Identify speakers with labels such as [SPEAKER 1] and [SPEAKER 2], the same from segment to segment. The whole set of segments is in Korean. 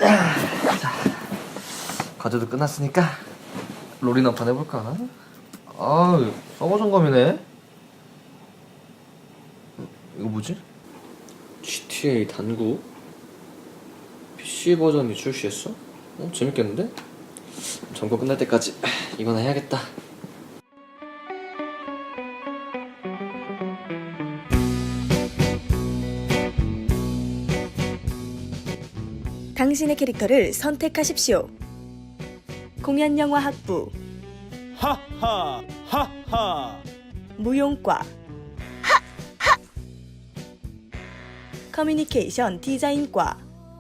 [SPEAKER 1] 자, 과제도 끝났으니까 롤이나 한판 해볼까? 아, 서버 점검이네. 이거 뭐지? GTA 단구 PC 버전이 출시했어? 재밌겠는데? 점검 끝날 때까지 이거나 해야겠다.
[SPEAKER 2] 당신의 캐릭터를 선택하십시오. 공연영화 학부,
[SPEAKER 3] 하하 하하
[SPEAKER 2] 무용과, 커뮤니케이션 디자인과,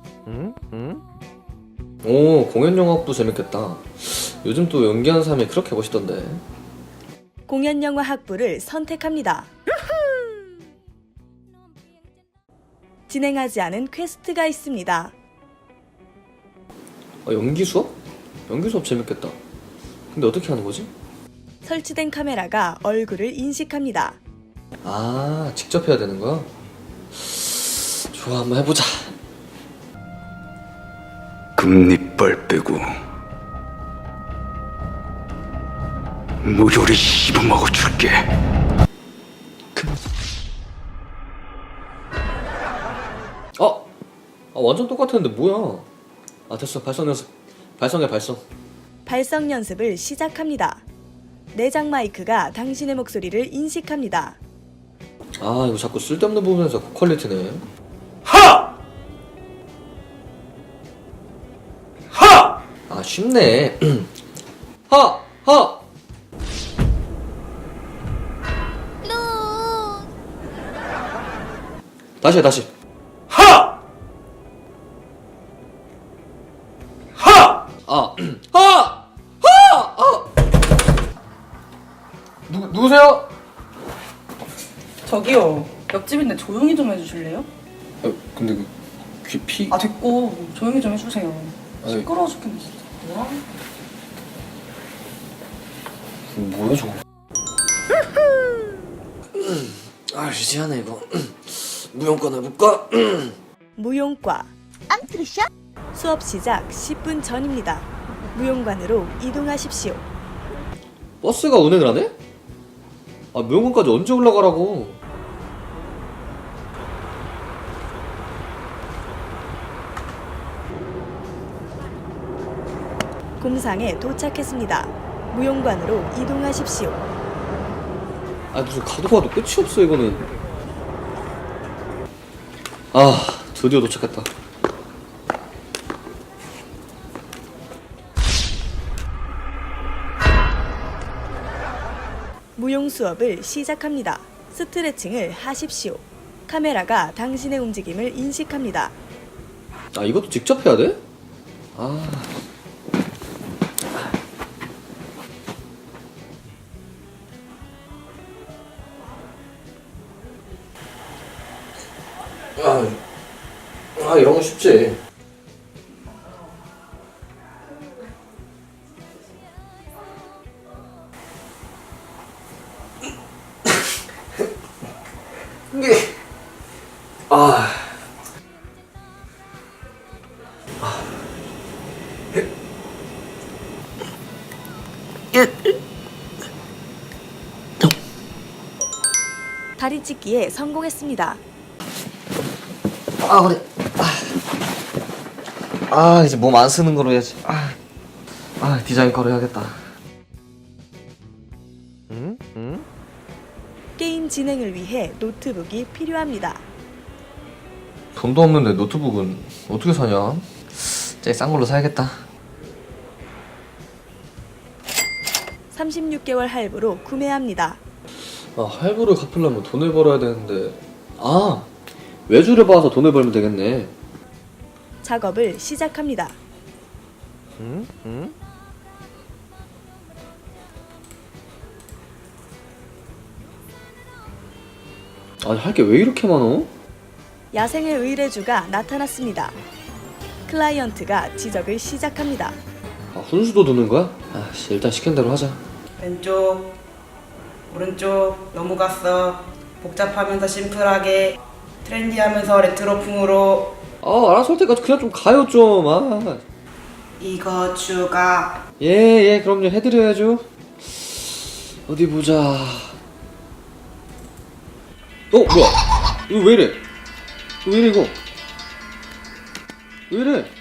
[SPEAKER 1] 오, 공연영화도 재밌겠다. 요즘 또 연기하는 사람이 그렇게 멋있던데.
[SPEAKER 2] 공연영화 학부를 선택합니다. 진행하지 않은 퀘스트가 있습니다.
[SPEAKER 1] 연기 수업? 연기 수업 재밌겠다. 근데 어떻게 하는 거지?
[SPEAKER 2] 설치된 카메라가 얼굴을 인식합니다.
[SPEAKER 1] 아, 직접 해야 되는 거야? 좋아, 한번 해보자.
[SPEAKER 4] 금리빨 빼고 무조리 씹어먹어 줄게.
[SPEAKER 1] 완전 똑같았는데 뭐야? 됐어. 발성 연습. 발성해, 발성.
[SPEAKER 2] 발성 연습을 시작합니다. 내장 마이크가 당신의 목소리를 인식합니다.
[SPEAKER 1] 이거 자꾸 쓸데없는 부분에서 고퀄리티네.
[SPEAKER 4] 하! 하!
[SPEAKER 1] 쉽네. 하! 하! 다시 해, 다시.
[SPEAKER 4] 하! 하!
[SPEAKER 1] 하! 하! 누구세요?
[SPEAKER 5] 저기요, 옆집인데 조용히 좀 해주실래요?
[SPEAKER 1] 근데 귀 피...
[SPEAKER 5] 아 됐고 조용히 좀 해주세요.
[SPEAKER 1] 아이.
[SPEAKER 5] 시끄러워 죽겠네 진짜.
[SPEAKER 1] 뭐야 저거. 유지하네 이거. 무용권 해볼까?
[SPEAKER 2] 무용과, 수업 시작 10분 전입니다. 무용관으로 이동하십시오.
[SPEAKER 1] 버스가 운행을 하네? 무용권까지 언제 올라가라고?
[SPEAKER 2] 곰상에 도착했습니다. 무용관으로 이동하십시오.
[SPEAKER 1] 무슨 가도 가도 끝이 없어 이거는. 드디어 도착했다.
[SPEAKER 2] 무용 수업을 시작합니다. 스트레칭을 하십시오. 카메라가 당신의 움직임을 인식합니다.
[SPEAKER 1] 이것도 직접 해야 돼? 이런 거 쉽지. 이게
[SPEAKER 2] 다리 찢기에 성공했습니다.
[SPEAKER 1] 그래. 이제 몸 안 쓰는 거로 해야지. 디자인 거로 해야겠다.
[SPEAKER 2] 게임 진행을 위해 노트북이 필요합니다.
[SPEAKER 1] 돈도 없는데 노트북은 어떻게 사냐? 제일 싼 걸로 사야겠다.
[SPEAKER 2] 36개월 할부로 구매합니다.
[SPEAKER 1] 할부를 갚으려면 돈을 벌어야 되는데. 외주를 받아서 돈을 벌면 되겠네.
[SPEAKER 2] 작업을 시작합니다.
[SPEAKER 1] 할 게 왜 이렇게 많어?
[SPEAKER 2] 야생의 의뢰주가 나타났습니다. 클라이언트가 지적을 시작합니다.
[SPEAKER 1] 훈수도 두는 거야? 일단 시킨 대로 하자.
[SPEAKER 5] 왼쪽, 오른쪽 너무 갔어. 복잡하면서 심플하게, 트렌디하면서 레트로풍으로.
[SPEAKER 1] 아, 알아서 할 테니까 그냥 좀 가요, 좀. 아.
[SPEAKER 5] 이거 추가.
[SPEAKER 1] 예, 그럼요. 해드려야죠. 어디 보자. 뭐야? 이거 왜 이래? 이거 왜 이래, 이거? 왜 이래?